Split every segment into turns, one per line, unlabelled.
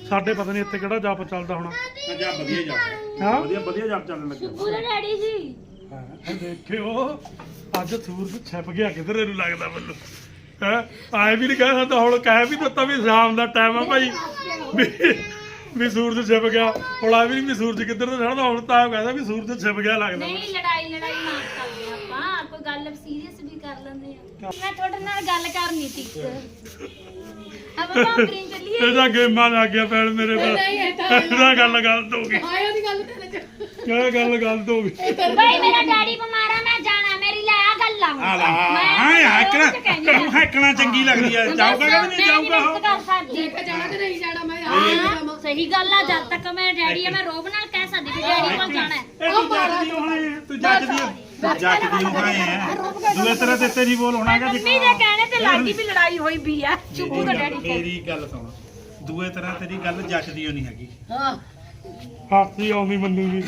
ਸਾਡੇ ਪਤਾ ਨਹੀਂ ਇੱਥੇ ਕਿਹੜਾ ਜਾਪ ਚੱਲਦਾ ਹੋਣਾ।
ਜਾ ਵਧੀਆ ਜਾ
ਹਾਂ
ਵਧੀਆ ਜਾਪ ਚੱਲਣ ਲੱਗਿਆ।
ਪੂਰਾ ਡੈਡੀ ਜੀ
ਦੇਖਿਓ ਅੱਜ ਸੂਰਜ ਛਿਪ ਗਿਆ ਕਿਧਰੇ ਨੂੰ ਲੱਗਦਾ ਮੈਨੂੰ ਹੈ। ਆਏ ਵੀ ਨਹੀਂ ਕਹਿ ਸਕਦਾ ਹੁਣ, ਕਹਿ ਵੀ ਦਿੱਤਾ ਵੀ ਸ਼ਾਮ ਦਾ ਟਾਈਮ ਆ ਭਾਈ ਵੀ ਸੂਰਜ ਛਿਪ ਗਿਆ। ਹੁਣ ਆ ਵੀ ਨਹੀਂ ਵੀ ਸੂਰਜ ਕਿੱਧਰ ਤੋਂ ਚੜ੍ਹਦਾ, ਹੁਣ ਤਾਂ ਕਹਿੰਦਾ ਵੀ ਸੂਰਜ ਛਿਪ ਗਿਆ ਲੱਗਦਾ।
ਨਹੀਂ ਲੜਾਈ ਨਾ ਕਰਦੇ ਆਪਾਂ, ਕੋਈ ਗੱਲ ਸੀਰੀਅਸ ਵੀ ਕਰ ਲੈਂਦੇ ਆ। ਮੈਂ ਤੁਹਾਡੇ ਨਾਲ ਗੱਲ ਕਰਨੀ ਸੀ ਆਪਾਂ ਭਾਂਬਰੀ ਚੱਲੀਏ।
ਇਹਦਾ ਗੇਮਾਂ ਲੱਗ ਗਿਆ ਪੈਣ ਮੇਰੇ ਕੋਲ। ਇਹਦਾ ਗੱਲ ਗਲਤ ਹੋ ਗਈ।
ਆਇਆ ਦੀ ਗੱਲ ਤੇਰੇ ਚ
ਕਿਆ ਗੱਲ ਗਲਤ ਹੋ ਗਈ।
ਭਾਈ ਮੇਰਾ ਡੈਡੀ ਬਿਮਾਰ ਆ, ਮੈਂ ਜਾਣਾ, ਮੇਰੀ ਲੈ ਆ ਗੱਲ
ਆ ਲਾ ਹਾਂ ਹੈਕਣਾ ਚੰਗੀ ਲੱਗਦੀ ਆ। ਜਾਊਗਾ ਕਿ ਨਹੀਂ ਜਾਊਗਾ ਉਹ
ਲੈ ਕੇ ਜਾਣਾ ਕਿ ਨਹੀਂ ਜਾਣਾ ਮੈਂ ਆ
ਸਹੀ ਗੱਲ ਆ। ਜਦ ਤੱਕ ਮੈਂ ਡੈਡੀ ਆ ਮੈਂ ਰੋਬ ਨਾਲ ਕਹਿ ਸਕਦੀ ਵੀ ਡੈਡੀ ਕੋਲ ਜਾਣਾ ਹੈ।
ਤੂੰ ਜੱਜਦੀ ਹੋਏ ਆ ਦੂਏ ਤਰ੍ਹਾਂ ਤੇ ਤੇਰੀ ਬੋਲ ਹੋਣਾ ਹੈਗਾ।
ਮੰਮੀ ਦੇ ਕਹਿਣੇ ਤੇ ਲਾਗੀ ਵੀ ਲੜਾਈ ਹੋਈ ਵੀ ਆ। ਚੁੱਪ ਕਰ ਡੈਡੀ ਕੋਲ।
ਮੇਰੀ ਗੱਲ ਸੁਣ, ਦੂਏ ਤਰ੍ਹਾਂ ਤੇਰੀ ਗੱਲ ਜੱਜਦੀ ਨਹੀਂ ਹੈਗੀ।
ਹਾਂ
ਹਾਥੀ ਆਉਂਦੀ ਮੰਨੂਗੀ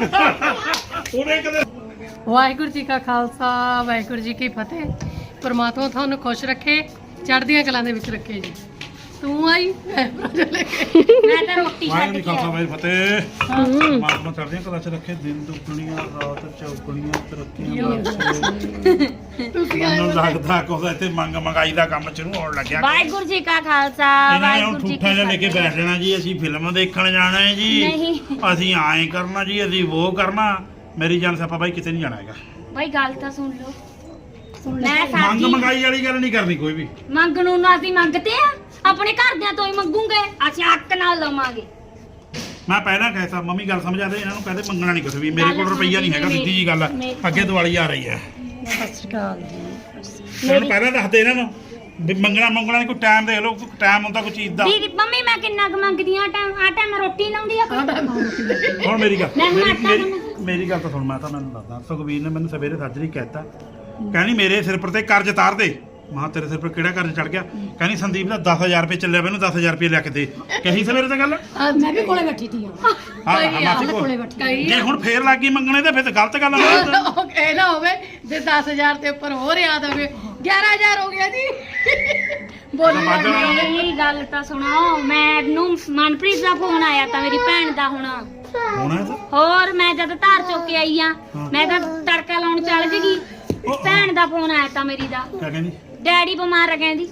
ਉਹਨੇ ਕਦੇ।
ਵਾਹਿਗੁਰੂ ਜੀ ਕਾ ਖਾਲਸਾ ਵਾਹਿਗੁਰੂ ਜੀ ਕੀ ਫਤਿਹ। ਪਰਮਾਤਮਾ ਤੁਹਾਨੂੰ ਖੁਸ਼ ਰੱਖੇ, ਚੜ੍ਹਦੀਆਂ ਕਲਾਂ ਦੇ ਵਿੱਚ ਰੱਖੇ ਜੀ। ਤੂੰ ਆਈ ਮੈਂ ਲੈ ਕੇ
ਮੈਂ ਤਾਂ ਰੋਟੀ ਛੱਡ
ਵਾਹਿਗੁਰੂ
ਕੇ
ਖਾਲਸਾ ਵਾਹਿਗੁਰੂ ਫਤਿਹ। ਮਾਤਮਾ ਚੜ੍ਹਦੀਆਂ ਕਲਾਂ ਚ ਰੱਖੇ, ਦਿਨ ਦੁੱਗਣੀਆਂ ਰਾਤ ਚੌਗਣੀਆਂ ਤਰੱਕੀਆਂ ਬਖਸ਼ੇ।
ਤੁਸੀਂ
ਮੈਨੂੰ ਲੱਗਦਾ ਕੁਝ ਇੱਥੇ ਮੰਗਾਈ ਦਾ ਕੰਮ ਸ਼ੁਰੂ ਹੋਣ ਲੱਗਿਆ।
ਵਾਹਿਗੁਰੂ ਜੀ ਕਾ ਖਾਲਸਾ
ਇਹਨਾਂ ਨੇ ਹੁਣ
ਵਾਹਿਗੁਰੂ ਜੀ
ਠੂਠਾ ਜਿਹਾ ਲੈ ਕੇ
ਕੀ
ਬੈਠ ਜਾਣਾ ਜੀ। ਅਸੀਂ ਫਿਲਮ ਦੇਖਣ ਜਾਣਾ ਹੈ ਜੀ,
ਨਹੀਂ।
ਅਸੀਂ ਐਂ ਕਰਨਾ ਜੀ, ਅਸੀਂ ਉਹ ਕਰਨਾ। ਮੇਰੀ ਜਾਨ ਸਿਆਪਾ ਬਾਈ ਕਿਤੇ ਨਹੀਂ ਜਾਣਾ ਹੈਗਾ।
ਭਾਈ ਗੱਲ ਤਾਂ ਸੁਣ ਲਓ। ਮੈਂ
ਮੰਗ
ਸਾਡੀ
ਮੰਗਾਈ ਵਾਲੀ ਗੱਲ ਨਹੀਂ ਕਰਨੀ ਕੋਈ ਵੀ।
ਮੰਗ ਨੂੰ ਨਾ ਅਸੀਂ ਮੰਗਦੇ ਆ, ਆਪਣੇ ਘਰਦਿਆਂ ਤੋਂ ਹੀ ਮੰਗੂਗੇ। ਅਸੀਂ ਹੱਕ ਨਾਲ ਲਵਾਂਗੇ।
ਮੈਂ ਪਹਿਲਾਂ ਕਹਿਤਾ ਮੰਮੀ ਗੱਲ ਸਮਝਾ ਦੇ ਇਹਨਾਂ ਨੂੰ, ਕਹਿੰਦੇ ਮੰਗਣਾ ਨਹੀਂ ਕੁਛ ਵੀ। ਮੇਰੇ ਕੋਲ
ਗੱਲ
ਰੁਪਈਆ ਨਹੀਂ ਹੈਗਾ, ਸਿੱਧੀ ਜੀ ਗੱਲ ਆ। ਅੱਗੇ ਦੀਵਾਲੀ ਆ ਰਹੀ ਹੈ।
ਸਤਿ ਸ਼੍ਰੀ ਅਕਾਲ ਜੀ।
ਮੈਨੂੰ ਪਹਿਲਾਂ ਦੱਸਦੇ ਇਹਨਾਂ ਨੂੰ ਵੀ ਮੰਗਣਾ ਨਹੀਂ। ਕੋਈ ਟਾਈਮ ਦੇਖ ਲਓ, ਟਾਈਮ ਹੁੰਦਾ ਕੋਈ ਚੀਜ਼ ਦਾ।
ਦੀਦੀ ਮੰਮੀ ਮੈਂ ਕਿੰਨਾ ਕੁ ਮੰਗਦੀ ਆ ਟਾਈਮ ਰੋਟੀ ਲਾਉਂਦੀ ਆ ਕੋਈ।
ਹੁਣ ਮੇਰੀ ਗੱਲ
ਮੈਂ ਹੁਣ ਆਟਾ
ਮੇਰੀ ਗੱਲ ਤਾਂ ਸੁਣ। ਮੈਂ ਤਾਂ ਮੈਨੂੰ ਦੱਸਦਾ, ਸੁਖਵੀਰ ਨੇ ਮੈਨੂੰ ਸਵੇਰੇ ਸਾਜਰੀ ਕਹਿਤਾ, ਕਹਿੰਦੀ ਮੇਰੇ ਸਿਰ ਪਰ ਤੇ ਕਰਜ਼ ਤਾਰ ਦੇ। ਮਾਂ ਤੇਰੇ ਸਿਰ ਪਰ ਕਿਹੜਾ ਕਰਜ਼ ਚੜ ਗਿਆ? ਕਹਿੰਦੀ ਸੰਦੀਪ ਦਾ 10,000 ਰੁਪਏ ਚੱਲਿਆ, ਮੈਨੂੰ 10,000 ਰੁਪਏ ਲਿਆ ਕੇ ਦੇ। ਕਹੀ ਸਵੇਰੇ ਤਾਂ ਗੱਲ
ਮੈਂ ਵੀ ਕੋਲੇ ਬੈਠੀ ਸੀ
ਮਾਸੀ
ਕੋਲੇ ਬੈਠੀ।
ਜੇ ਹੁਣ ਫੇਰ ਲੱਗ ਗਈ ਮੰਗਣੇ ਤੇ ਫਿਰ ਤਾਂ ਗਲਤ ਗੱਲ ਆ।
ਉਹ ਇਹ ਨਾ ਹੋਵੇ ਜੇ 10,000 ਤੇ ਉੱਪਰ ਹੋਰ ਯਾਦ ਹੋਵੇ 11,000 ਹੋ ਗਿਆ ਜੀ। ਬੋਲੀ
ਮੇਰੀ ਗੱਲ ਤਾਂ ਸੁਣੋ। ਮੈਨੂੰ ਮਨਪ੍ਰੀਤ ਦਾ ਫੋਨ ਆਇਆ ਤਾਂ ਮੇਰੀ ਭੈਣ ਦਾ
ਹੋਣਾ
ਹੋਰ ਮੈਂ ਜਦ ਧਾਰ ਚੁੱਕ ਕੇ ਆਈ ਆ, ਮੈਂ ਤਾਂ ਤੜਕਾ ਲਾਉਣ ਚੱਲ ਜਗੀ। ਭੈਣ ਦਾ ਫੋਨ ਆਇਆ ਤਾਂ ਮੇਰੀ ਦਾ,
ਕਿਆ ਕਹਿੰਦੀ?
ਡੈਡੀ ਬਿਮਾਰ ਆ ਕਹਿੰਦੀ।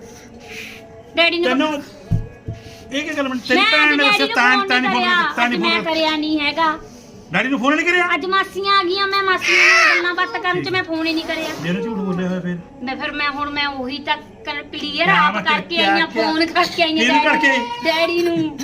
ਡੈਡੀ ਨੂੰ
ਤੈਨੂੰ ਇਹ ਕੀ ਗੱਲ ਬਣ? ਤੇਰੀ
ਮੈਂ
ਭੈਣ ਨੇ
ਡੈਡੀ
ਉਸੇ ਤਾਂ ਨਹੀਂ
ਮੈਂ
ਫੋਨ
ਕਰਿਆ ਨਹੀਂ ਹੈਗਾ।
ਡੈਡੀ ਨੂੰ ਫੋਨ ਨਹੀਂ ਕਰਿਆ?
ਅੱਜ ਮਾਸੀਆਂ ਆ ਗਈਆਂ, ਮੈਂ ਮਾਸੀਆਂ ਨਾਲ ਗੱਲਾਂ ਬਾਤਾਂ ਕਰਨ ਚ ਮੈਂ ਫੋਨ ਹੀ ਨਹੀਂ ਕਰਿਆ।
ਜਿਹਨੇ ਝੂਠ ਬੋਲਿਆ ਹੋਇਆ ਫਿਰ
ਮੈਂ ਉਹੀ ਤਾਂ ਕਲੀਅਰ
ਕਿਆ
ਆਪ
ਮੈਂ
ਕਰਕੇ
ਕਿਆ-
ਆਈਆਂ,
ਕਿਆ-
ਫੋਨ ਕਰਕੇ ਆਈਆਂ
ਕਿਹਨੂੰ ਕਰਕੇ?
ਡੈਡੀ ਨੂੰ।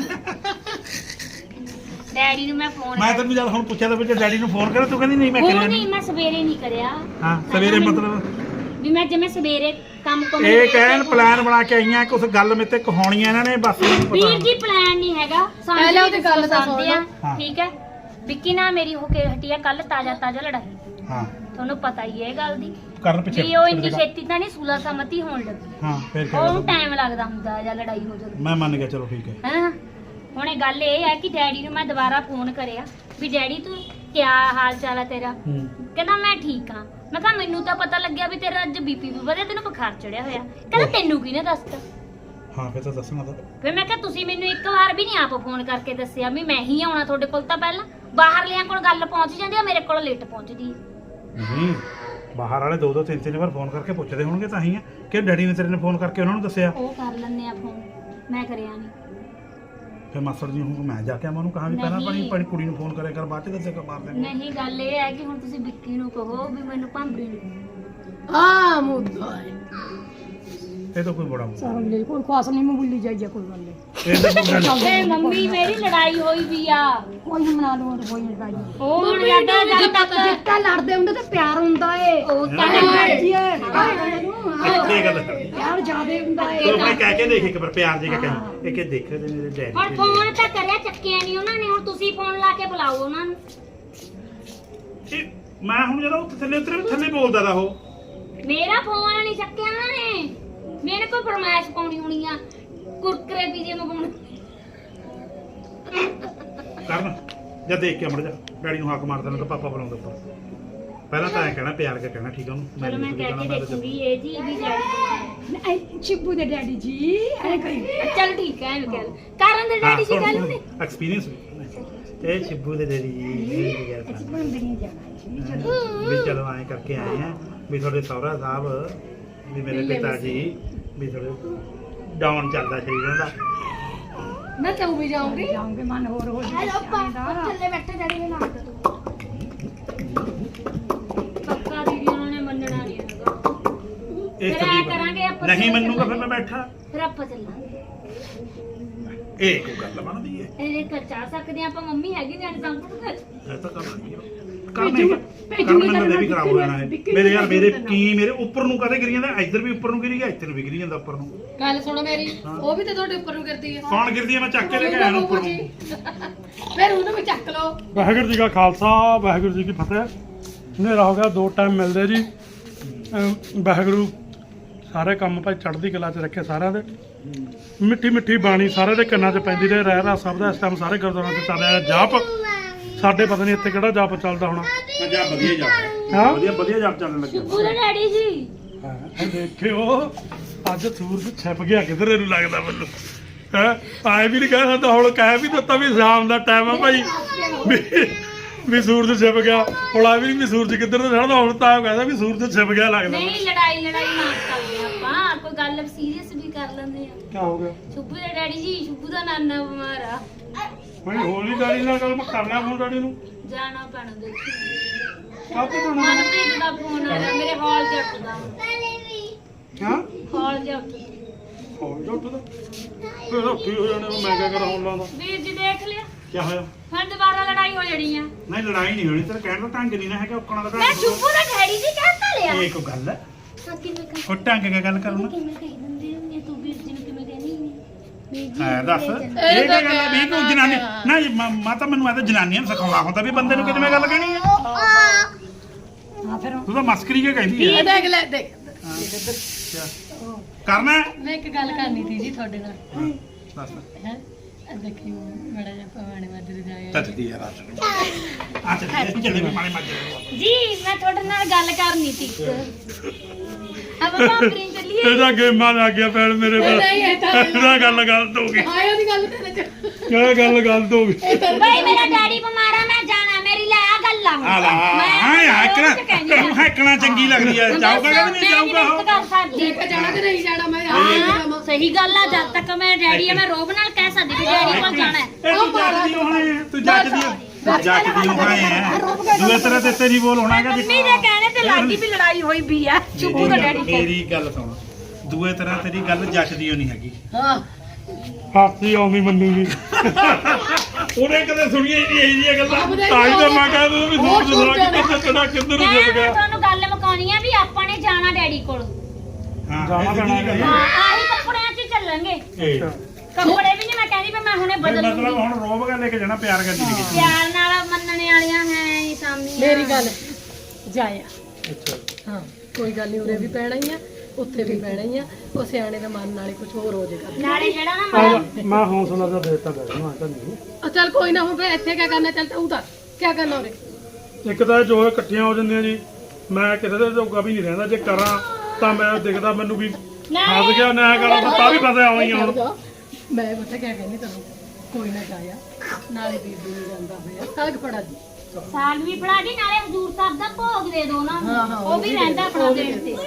ਡੈਡੀ ਨੂੰ ਮੈਂ ਫੋਨ
ਮੈਂ ਤੈਨੂੰ ਜਦ ਹੁਣ ਪੁੱਛਿਆ ਤਾਂ ਵੀ ਡੈਡੀ ਨੂੰ ਫੋਨ ਕਰਿਆ, ਤੂੰ ਕਹਿੰਦੀ ਨਹੀਂ ਮੈਂ
ਫੋਨ
ਕਰਿਆ
ਨਹੀਂ, ਮੈਂ ਸਵੇਰੇ ਨਹੀਂ ਕਰਿਆ।
ਹਾਂ ਸਵੇਰੇ ਮਤਲਬ
ਵੀ ਮੈਂ ਜਿਵੇਂ ਸਵੇਰੇ ਕੰਮ
ਇਹ ਕਹਿਣ ਪਲਾਨ ਬਣਾ ਕੇ ਆਈਆਂ ਕੁਝ ਗੱਲ ਮੇਤੇ ਕਹਾਉਣੀਆਂ ਇਹਨਾਂ ਨੇ ਬਸ
ਵੀਰ ਜੀ ਪਲਾਨ ਨਹੀਂ ਹੈਗਾ।
ਪਹਿਲਾਂ ਉਹਦੀ ਗੱਲ ਤਾਂ ਸੁਣ ਲਓ।
ਹਾਂ।
ਠੀਕ ਹੈ। ਵਿੱਕੀ ਨਾਲ ਮੇਰੀ ਹੋ ਕੇ ਹਟੀ ਆ ਕੱਲ ਤਾਜ਼ਾ ਲੜਾਈ।
ਹਾਂ
ਤੁਹਾਨੂੰ ਪਤਾ ਹੀ ਹੈ ਇਹ ਗੱਲ ਦੀ
ਕਰਨ ਪਿੱਛੇ
ਵੀ ਉਹ ਇੰਨੀ ਛੇਤੀ ਤਾਂ ਨਹੀਂ ਸੁਲਾ ਸਮਤੀ ਹੋਣ ਲੱਗੀ।
ਹਾਂ ਫਿਰ
ਉਹਨੂੰ
ਕਿਹਾ
ਟਾਈਮ ਲੱਗਦਾ ਹੁੰਦਾ ਜਾਂ ਲੜਾਈ ਹੋ ਜਾਂਦੀ।
ਮੈਂ ਮੰਨ ਗਿਆ, ਚਲੋ ਠੀਕ ਹੈ।
ਹਾਂ ਹੁਣ ਇਹ ਗੱਲ ਇਹ ਹੈ ਕਿ ਡੈਡੀ ਨੂੰ ਮੈਂ ਦੁਬਾਰਾ ਫੋਨ ਕਰਿਆ ਵੀ ਡੈਡੀ ਤੂੰ ਕਿਆ ਹਾਲ ਚਾਲ ਹੈ ਤੇਰਾ? ਕਹਿੰਦਾ ਮੈਂ ਠੀਕ ਹਾਂ। ਮੈਂ ਕਿਹਾ ਮੈਨੂੰ ਤਾਂ ਪਤਾ ਲੱਗਿਆ ਵੀ ਤੇਰਾ ਅੱਜ ਬੀਪੀ ਵੀ ਵਧਿਆ, ਤੈਨੂੰ ਬੁਖਾਰ ਚੜਿਆ ਹੋਇਆ। ਕਹਿੰਦਾ ਤੈਨੂੰ ਕਿਹਨੇ ਦੱਸਤਾ?
ਹਾਂ ਫਿਰ ਤਾਂ ਦੱਸਣਾ ਤਾਂ।
ਫਿਰ ਮੈਂ ਕਿਹਾ ਤੁਸੀਂ ਮੈਨੂੰ ਇੱਕ ਵਾਰ ਵੀ ਨਹੀਂ ਆਪ ਫੋਨ ਕਰਕੇ ਦੱਸਿਆ ਵੀ ਮੈਂ ਹੀ ਆਉਣਾ ਤੁਹਾਡੇ ਕੋਲ। ਤਾਂ ਪਹਿਲਾਂ ਬਾਹਰਲਿਆਂ ਕੋਲ ਗੱਲ ਪਹੁੰਚ ਜਾਂਦੀ ਆ, ਮੇਰੇ ਕੋਲ ਲੇਟ ਪਹੁੰਚਦੀ ਹੈ।
ਨਹੀਂ ਬਾਹਰ ਵਾਲੇ 2-2 3-3 ਵਾਰ ਫੋਨ ਕਰਕੇ ਪੁੱਛਦੇ ਹੋਣਗੇ ਤਾਂ ਹੀ ਆ ਕਿ ਡੈਡੀ ਨੇ ਤੇਰੇ ਨੇ ਫੋਨ ਕਰਕੇ ਉਹਨਾਂ ਨੂੰ ਦੱਸਿਆ।
ਉਹ ਕਰ ਲੈਂਦੇ ਆ ਫੋਨ, ਮੈਂ ਕਰਿਆ ਨਹੀਂ।
ਫਿਰ ਮਾਸਟਰ ਜੀ ਹੁਣ ਮੈਂ ਜਾ ਕੇ ਆਵਾਂ ਉਹਨੂੰ ਕਹਾਂ ਵੀ ਪਹਿਲਾਂ ਆਪਣੀ ਕੁੜੀ ਨੂੰ ਫੋਨ ਕਰਿਆ ਕਰ, ਬਾਅਦ ਚ ਦੱਸੇ ਕਰ ਮਾਰ ਦੇ।
ਨਹੀਂ ਗੱਲ ਇਹ ਹੈ ਕਿ ਹੁਣ ਤੁਸੀਂ ਵਿੱਕੀ ਨੂੰ ਕਹੋ ਵੀ ਮੈਨੂੰ ਭਾਂਬਰੀ ਨੂੰ।
ਆ ਮੁੱਦਾ
ਇਹ ਤਾਂ ਕੋਈ ਬੜਾ ਮੁੱਦਾ
ਸਰਮ ਲੈ ਕੋਈ ਖਾਸ ਨਹੀਂ ਮੈਂ ਭੁੱਲੀ ਜਾਈਏ ਕੋਈ ਗੱਲ ਨਹੀਂ।
ਇਹ ਤਾਂ ਕੋਈ ਗੱਲ
ਤੇ ਮੰਮੀ ਮੇਰੀ ਲੜਾਈ ਹੋਈ ਵੀ ਆ।
ਕੋਈ ਮਨਾ ਲਓ ਕੋਈ ਨਹੀਂ ਲੜਾਈ।
ਉਹ ਹੁਣ ਜਦ ਤੱਕ
ਜਿੱਤਾ ਲੜਦੇ ਹੁੰਦੇ ਤੇ ਪਿਆਰ ਹੁੰਦਾ ਏ।
ਉਹ ਤਾਂ
ਇਹ ਗੱਲ ਕਰਨੀ।
ਪਿਆਰ ਜ਼ਿਆਦੇ ਹੁੰਦਾ ਏ।
ਤੂੰ ਭਾਈ ਕਹਿ ਕੇ ਦੇਖ ਇੱਕ ਵਾਰ ਪਿਆਰ ਜੀ ਕਹੀ ਇਹ ਕਿ ਦੇਖ ਮੇਰੇ ਡੈਡੀ
ਹੁਣ ਫੋਨ ਤਾਂ ਕਰਿਆ, ਚੱਕਿਆ ਨਹੀਂ ਉਹਨਾਂ ਨੇ। ਹੁਣ ਤੁਸੀਂ ਫੋਨ ਲਾ ਕੇ ਬੁਲਾਓ ਉਹਨਾਂ ਨੂੰ।
ਮੈਂ ਹੁਣ ਜਦੋਂ ਥੱਲੇ ਉਤਰੇ ਥੱਲੇ ਬੋਲਦਾ ਦਾ ਉਹ
ਮੇਰਾ ਫੋਨ ਨਹੀਂ ਚੱਕਿਆ ਉਹਨਾਂ ਨੇ। ਮੇਰੇ ਕੋਲ ਫਰਮਾਇਸ਼ ਪਾਉਣੀ ਹੋਣੀ ਆ ਕੁਰਕਰੇ ਪੀਜੇ ਮੰਗਵਾਉਣੇ।
ਕਰਨ ਜਾਂ ਦੇਖ ਕੇ ਮੜ ਜਾ ਡੈਡੀ ਨੂੰ ਹੱਕ ਮਾਰ ਦੇਣਾ ਤਾਂ ਪਾਪਾ ਬੁਲਾਉਂਦਾ ਉੱਪਰ। ਪਹਿਲਾਂ ਤਾਂ ਐ ਕਹਿਣਾ ਪਿਆਰ ਕੇ ਕਹਿਣਾ ਠੀਕ ਆ ਉਹਨੂੰ
ਚਲੋ ਮੈਂ ਕਹਿ ਕੇ ਦੇਖੂੰਗੀ ਇਹ ਜੀ ਵੀ ਡੈਡੀ
ਸ਼ਿਬੂ ਦੇ ਡੈਡੀ ਜੀ ਐ ਕਹੀ
ਚਲ ਠੀਕ ਹੈ ਐਵੇਂ ਕਹਿ ਲਓ। ਕਰਨ ਦੇ ਡੈਡੀ ਜੀ ਗੱਲ ਨੇ
ਐਕਸਪੀਰੀਅੰਸ ਇਹ ਸ਼ਿਬੂ ਦੇ ਡੈਡੀ ਜੀ
ਬੰਦਰੀ ਜਾਣਾ
ਵੀ ਚਲੋ ਐਂ ਕਰਕੇ ਆਏ ਆ ਵੀ ਤੁਹਾਡੇ ਸਹੁਰਾ ਸਾਹਿਬ ਵੀ ਮੇਰੇ ਪਿਤਾ ਜੀ ਵੀ ਥੋੜੇ ਡਾਊਨ ਚੱਲਦਾ ਸਰੀਰ ਦਾ
ਮੈਂ ਤੂੰ ਵੀ ਜਾਊਂਗੀ
ਜਾਉਂਗੇ ਮਨ ਹੋਰ ਹੋ
ਹੈਲੋ ਥੱਲੇ ਬੈਠੇ ਡੈਡੀ ਨੂੰ ਨਾਮ ਦੋ ਪੱਕਾ ਦੀਦੀ ਉਹਨਾਂ ਨੇ ਮੰਨਣਾ ਨਹੀਂ ਹੈਗਾ
ਇਹ
ਫਿਰ ਐਂ ਕਰਾਂਗੇ ਆਪਾਂ
ਨਹੀਂ ਮੰਨੂਗਾ ਫਿਰ ਮੈਂ ਬੈਠਾ
ਫਿਰ ਆਪਾਂ ਚੱਲਾਂਗੇ
ਇਹ ਕੋਈ ਗੱਲ ਬਣਦੀ ਹੈ
ਇਹ ਕੱਚਾ ਸਕਦੇ ਆਪਾਂ ਮੰਮੀ ਹੈਗੀ ਨੇ ਤਾਂ ਕਰ
ਇਹ ਤਾਂ ਕਰਨਾ ਵੀ ਖਰਾਬ ਹੋ ਜਾਣਾ ਹੈ ਮੇਰੇ ਯਾਰ ਮੇਰੇ ਉੱਪਰ ਨੂੰ ਕਦੇ ਗਿਰੀ ਜਾਂਦਾ ਇੱਧਰ ਵੀ ਉੱਪਰ ਨੂੰ ਗਿਰੀ ਗਿਆ ਇੱਧਰ ਨੂੰ ਵੀ ਗਿਰੀ ਜਾਂਦਾ ਉੱਪਰ ਨੂੰ
ਗੱਲ ਸੁਣੋ ਮੇਰੀ ਉਹ ਵੀ ਤੇ ਤੁਹਾਡੇ ਉੱਪਰ ਨੂੰ ਕਰਦੀ ਹੈ
ਕੌਣ ਗਿਰਦੀ ਹੈ ਮੈਂ ਚੱਕ ਕੇ ਲੈ ਕੇ ਆਇਆ ਨੂੰ ਉੱਪਰ ਨੂੰ
ਫਿਰ ਉਹਨੂੰ ਵੀ ਚੱਕ ਲਓ।
ਵਾਹਿਗੁਰੂ ਜੀ ਕਾ ਖਾਲਸਾ ਵਾਹਿਗੁਰੂ ਜੀ ਕੀ ਫਤਿਹ। ਹਨੇਰਾ ਹੋ ਗਿਆ 2 ਟਾਈਮ ਮਿਲਦੇ ਜੀ। ਵਾਹਿਗੁਰੂ ਸਾਰੇ ਕੰਮ ਭਾਈ ਚੜ੍ਹਦੀ ਕਲਾ 'ਚ ਰੱਖੇ ਸਾਰਿਆਂ ਦੇ। ਮਿੱਠੀ ਮਿੱਠੀ ਬਾਣੀ ਸਾਰਿਆਂ ਦੇ ਕੰਨਾਂ 'ਚ ਪੈਂਦੀ ਰਹੇ ਰਹਿ ਸਭ ਦਾ ਇਸ ਟਾਈਮ ਸਾਰੇ ਗੁਰਦੁਆਰਿਆਂ 'ਚ ਚੱਲ ਰਿਹਾ ਜਾਪ। ਸਾਡੇ ਪਤਾ ਨਹੀਂ ਇੱਥੇ ਕਿਹੜਾ ਜਾਪ ਚੱਲਦਾ ਹੋਣਾ।
ਜਾ ਵਧੀਆ ਜਾ
ਹਾਂ
ਵਧੀਆ ਜਾਪ ਚੱਲਣ ਲੱਗਿਆ
ਪੂਰੇ ਡੈਡੀ ਜੀ
ਦੇਖਿਓ ਅੱਜ ਸੂਰਜ ਛਿਪ ਗਿਆ ਕਿਧਰ ਇਹਨੂੰ ਲੱਗਦਾ ਮੈਨੂੰ ਆਏ ਵੀ ਨਹੀਂ ਕਹਿ ਸਕਦਾ ਹੁਣ ਕਹਿ ਵੀ ਦਿੱਤਾ ਵੀ ਸ਼ਾਮ ਦਾ ਟਾਈਮ ਆ ਭਾਈ ਵੀ ਸੂਰਜ ਛਿਪ ਗਿਆ ਹੁਣ ਆ ਵੀ ਨਹੀਂ ਵੀ ਸੂਰਜ ਕਿੱਧਰ ਤੋਂ ਚੜ੍ਹਦਾ ਹੁਣ ਤਾਂ ਕਹਿੰਦਾ ਵੀ ਸੂਰਜ ਛਿਪ ਗਿਆ ਲੱਗਦਾ
ਨਹੀਂ ਲੜਾਈ ਨਾ ਕਰਦੇ ਆਪਾਂ ਕੋਈ ਗੱਲ ਸੀਰੀਅਸ ਵੀ ਕਰ ਲੈਂਦੇ ਆ।
ਕੀ ਹੋ ਗਿਆ
ਸ਼ੁਭੂ ਦੇ ਡੈਡੀ ਜੀ ਸ਼ੁਭੂ ਦਾ ਨਾਨਾ ਬਿਮਾਰ ਆ
ਭਾਈ ਹੌਲੀ ਡੈਡੀ ਨਾਲ ਗੱਲ ਮੈਂ ਕਰਨਾ ਫੋਨ ਡੈਡੀ ਨੂੰ
ਜਾਣਾ ਪੈਣਾ ਦੇਖੀ
ਕਾਹਤੇ ਜਾਣਾ
ਮਨਪ੍ਰੀਤ ਦਾ ਫੋਨ ਆ ਰਿਹਾ ਮੇਰੇ ਹਾਲ 'ਚ ਉੱਠਦਾ
ਹਾਂ
ਹਾਲ 'ਚ ਉੱਠਦਾ
ਹੋਰ ਜੁੱਟ ਦਾ ਫਿਰ ਕੀ ਹੋ ਜਾਣਾ ਮੈਂ ਕਿਆ ਕਰਾਂ ਹੁਣ ਲਾਉਂਦਾ
ਵੀਰ ਜੀ ਦੇਖ ਲਿਆ
ਕੀ ਹੋਇਆ
ਫਿਰ ਦੁਬਾਰਾ ਲੜਾਈ ਹੋ ਜਾਣੀ ਆ।
ਨਹੀਂ ਲੜਾਈ ਨਹੀਂ ਹੋਣੀ ਤੇਰਾ ਕਹਿਣ ਦਾ ਢੰਗ ਨਹੀਂ ਨਾ ਹੈਗਾ ਔਕਣਾ ਦਾ
ਮੈਂ ਸ਼ੁਭੂ ਦਾ ਡੈਡੀ ਜੀ ਕਹਿਤਾ ਲਿਆ
ਇਹ ਕੋਈ ਗੱਲ ਹੈ
ਕਿਵੇਂ
ਉਹ ਢੰਗ ਕੇ ਗੱਲ ਕਰਨਾ
ਕਿਵੇਂ ਕਹਿ ਦਿੰਦੇ ਹੁੰਦੇ ਤੂੰ ਵੀਰ ਜੀ ਨੂੰ ਕਿਵੇਂ ਕਹਿਣੀ ਨਹੀਂ
ਹੈ ਦੱਸ ਇਹ ਕੀ ਗੱਲ ਹੈ ਵੀ ਤੂੰ ਜਨਾਨੀ ਨਾ ਮਾਤਾ ਮੈਨੂੰ ਆ ਤਾਂ ਜਨਾਨੀਆਂ ਨੂੰ ਸਿਖਾਉਣਾ ਹੁੰਦਾ ਵੀ ਬੰਦੇ ਨੂੰ ਕਿਵੇਂ ਗੱਲ ਕਹਿਣੀ ਹੈ
ਹਾਂ ਫਿਰ
ਤੂੰ ਤਾਂ ਮਸਕਰੀ ਕੇ ਕਹਿੰਦੀ ਹੈ
ਇਹ ਦੇਖ ਲੈ ਦੇਖ
ਕਰਨਾ ਹੈ?
ਮੈਂ ਇੱਕ ਗੱਲ ਕਰਨੀ ਸੀ ਜੀ ਤੁਹਾਡੇ ਨਾਲ
ਦੱਸ
ਹੈ ਦੇਖਿਓ ਬੜਾ ਜਿਹਾ ਪਵਾਣੇ ਮਾਜਰੇ ਜਾਏ
ਤੱਜਦੀ ਹੈ ਰਾਤ ਨੂੰ ਆ ਚੱਲੇ ਵੀ ਮਾਣੇ ਮਾਜਰੇ
ਜੀ ਮੈਂ ਤੁਹਾਡੇ ਨਾਲ ਗੱਲ ਕਰਨੀ ਸੀ ਆਪਾਂ ਭਾਂਬਰੀ ਚੱਲੀਏ
ਇਹਦਾ ਗੇਮਾਂ ਲੱਗ ਗਿਆ ਪੈਣ ਮੇਰੇ ਕੋਲ
ਨਹੀਂ, ਇਹ ਤਾਂ-
ਇਹਦਾ ਗੱਲ ਗਲਤ ਹੋ ਗਈ
ਆਇਓ ਦੀ ਗੱਲ ਤੇਰੇ ਚ
ਕਿਆ ਗੱਲ ਗਲਤ ਹੋ ਗਈ
ਬਈ ਮੇਰਾ ਡੈਡੀ ਬਿਮਾਰ ਆ ਮੈਂ ਜਾਣਾ ਮੇਰੀ ਲੈ ਆ ਗੱਲਾਂ
ਆ ਲਾ ਹਾਂ ਹੈਕਣਾ ਚੰਗੀ ਲੱਗਦੀ ਹੈ ਜਾਊਗਾ ਕਿ ਨਹੀਂ ਜਾਊਗਾ ਉਹ
ਲੈ ਕੇ ਜਾਣਾ ਕਿ ਨਹੀਂ ਜਾਣਾ ਮੈਂ
ਹਾਂ ਸਹੀ ਗੱਲ ਆ ਜਦ ਤੱਕ ਮੈਂ ਡੈਡੀ ਆ ਮੈਂ ਰੋਬ ਨਾਲ ਕਹਿ ਸਕਦੀ ਵੀ ਡੈਡੀ ਕੋਲ ਜਾਣਾ ਹੈ
ਇਹ ਤੂੰ ਜੱਜਦੀ ਹੋਣੀ ਹੈ ਦੂਏ ਤਰ੍ਹਾਂ ਤੇ ਤੇਰੀ ਬੋਲ ਹੋਣਾਗਾ
ਮੰਮੀ ਦੇ ਕਹਿਣੇ ਤੇ ਲਾਡੀ ਵੀ ਲੜਾਈ ਹੋਈ ਵੀ ਆ ਚੁੱਪੂ ਦਾ ਡੈਡੀ ਕੋਲ
ਮੇਰੀ ਗੱਲ ਸੁਣ ਦੂਏ ਤਰ੍ਹਾਂ ਤੇਰੀ ਗੱਲ ਜੱਜਦੀ ਹੋਣੀ ਹੈਗੀ
ਹਾਂ
ਹਾਸੀ ਆਉਂਦੀ ਮੰਨੂਗੀ ਉਹਨੇ ਕਦੇ ਸੁਣੀਆਂ ਹੀ ਨਹੀਂ ਇਹ ਜਿਹੀਆਂ ਗੱਲਾਂ ਤਾਂ ਹੀ ਤਾਂ ਮੈਂ ਕਹਿੰਦਾ ਵੀ ਸੂਰਜ ਦਾ ਕਿੱਥੇ ਚੜਾ ਕਿੱਧਰ ਨੂੰ
ਮੈਂ
ਛਿਪ ਗਿਆ
ਤੁਹਾਨੂੰ ਗੱਲ ਮੁਕਾਉਣੀ ਆ ਵੀ ਆਪਾਂ ਨੇ ਜਾਣਾ ਡੈਡੀ ਕੋਲ
ਹਾਂ
ਜਾਣਾ ਪੈਣਾ
ਇਹ
ਹਾਂ ਆਹੀ ਕੱਪੜਿਆਂ 'ਚ ਹੀ ਚੱਲਾਂਗੇ
ਇਹ
ਕੱਪੜੇ ਵੀ ਨਹੀਂ ਮੈਂ ਕਹਿੰਦੀ ਵੀ ਮੈਂ ਹੁਣੇ ਬਦਲ
ਮਤਲਬ
ਲੂੰਗੀ
ਹੁਣ ਰੋਬ ਕੇ ਲੈ ਕੇ ਜਾਣਾ ਪਿਆਰ ਕਰਨੀ ਨਹੀਂ ਕਿਸੇ
ਪਿਆਰ ਨਾਲ ਮੰਨਣੇ ਵਾਲੀਆਂ ਹੈ ਹੀ ਸਾਹਮਣੇ
ਮੇਰੀ ਗੱਲ ਜਾਇਆ
ਅੱਛਾ
ਹਾਂ ਕੋਈ ਗੱਲ ਨਹੀਂ ਉਰੇ ਵੀ ਪੈਣਾ ਹੀ ਆ ਉੱਥੇ ਵੀ ਪੈਣਾ ਹੀ ਆ ਉਹ ਸਿਆਣੇ ਦੇ ਮਨ ਨਾਲੇ ਕੁਝ ਹੋਰ ਹੋ ਜਾਏਗਾ
ਨਾਲੇ ਜਿਹੜਾ ਨਾ
ਮੈਂ ਹੌਸਲਾ ਤਾਂ ਦੇਤਾ ਗਿਆ ਨਾ ਤਾਂ ਨਹੀਂ
ਚੱਲ ਕੋਈ ਨਾ ਹੁਣ ਫੇ ਇੱਥੇ ਕੀ ਕਰਨਾ ਚੱਲ ਤੂੰ ਤਾਂ ਕੀ ਕਰਨਾ ਉਰੇ
ਇੱਕ ਤਾਂ ਜੋ ਇਹ ਇਕੱਠੀਆਂ ਹੋ ਜਾਂਦੀਆਂ ਜੀ ਮੈਂ ਕਿਸੇ ਦੇ ਜੋਗਾ ਵੀ ਨਹੀਂ ਰਹਿੰਦਾ ਜੇ ਕਰਾਂ ਤਾਂ ਮੈਂ ਦਿਖਦਾ ਮੈਨੂੰ ਵੀ ਫਸ ਗਿਆ ਨਾ ਕਰਾਂ ਤਾਂ ਵੀ ਫਸਿਆ ਹੋਈ ਹੁਣ
ਮੈਂ ਪਤਾ ਕੀ ਕਹਿੰਦੀ ਤੈਨੂੰ ਕੋਈ ਨਾ ਜਾਇਆ ਨਾਲੇ ਬੀਬੀ ਨੂੰ ਜਾਂਦਾ ਹੋਇਆ ਸਾਗ ਫੜਾ ਦੀ
ਸਾਗ ਵੀ ਫੜਾ ਦੀ ਨਾਲੇ ਹਜ਼ੂਰ ਸਾਹਿਬ ਦਾ ਭੋਗ ਦੇ ਦੋ ਨਾ
ਹਾਂ,
ਉਹ ਵੀ ਰਹਿੰਦਾ ਆਪਣਾ ਦੇਣ ਤੇ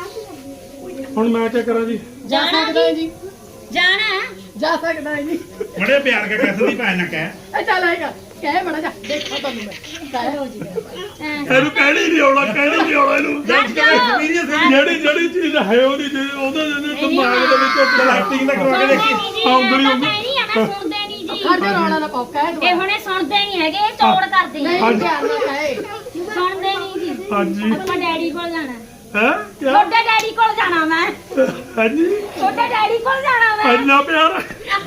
ਹੁਣ ਮੈਂ ਕੀ ਕਰਾਂ ਜੀ
ਜਾ ਸਕਦਾ ਹੈ ਜੀ
ਜਾਣਾ ਹੈ?
ਜਾ ਸਕਦਾ ਹੈ ਜੀ
ਬੜੇ ਪਿਆਰ ਕੇ ਕਹਿ ਦੀ ਭੈਣ ਨਾ ਕਹਿ
ਇਹ ਚੱਲ ਆਏਗਾ ਕਹਿ ਬੜਾ ਜਾ ਦੇਖੋ ਤੁਹਾਨੂੰ ਮੈਂ ਕਹਿ ਹੋ ਜੀ
ਇਹਨੂੰ ਕਹਿਣੀ ਨਹੀਂ ਆਉਣਾ ਇਹਨੂੰ ਜਿਹੜੀ ਚੀਜ਼ ਹੈ ਉਹਦੀ ਉਹਦੇ ਦਿਮਾਗ ਦੇ ਵਿੱਚ
ਐਕਟਿੰਗ ਦਾ ਕਰਵਾ ਕੇ ਦੇਖੀ
ਆਉਂਦਰੀ
ਮੈਂ ਸੁਣਦੇ ਨਹੀਂ ਜੀ
ਖੜ ਜਾ ਰੌਲਾ ਨਾ ਪਾਓ ਕਹਿ
ਇਹ ਹੁਣੇ ਸੁਣਦੇ ਨਹੀਂ ਹੈਗੇ ਇਹ ਤੋੜ ਕਰਦੇ ਨੇ
ਨਹੀਂ ਧਿਆਨ ਨਾਲ ਕਹਿ
ਸੁਣਦੇ ਨਹੀਂ ਜੀ
ਹਾਂਜੀ
ਆਪਾਂ ਡੈਡੀ ਕੋਲ ਜਾਣਾ
ਹੈ ਕਿਆ
ਛੋਟੇ ਡੈਡੀ ਕੋਲ ਜਾਣਾ ਮੈਂ
ਹਾਂਜੀ
ਛੋਟੇ ਡੈਡੀ ਕੋਲ ਜਾਣਾ ਮੈਂ
ਇੰਨਾ ਪਿਆਰ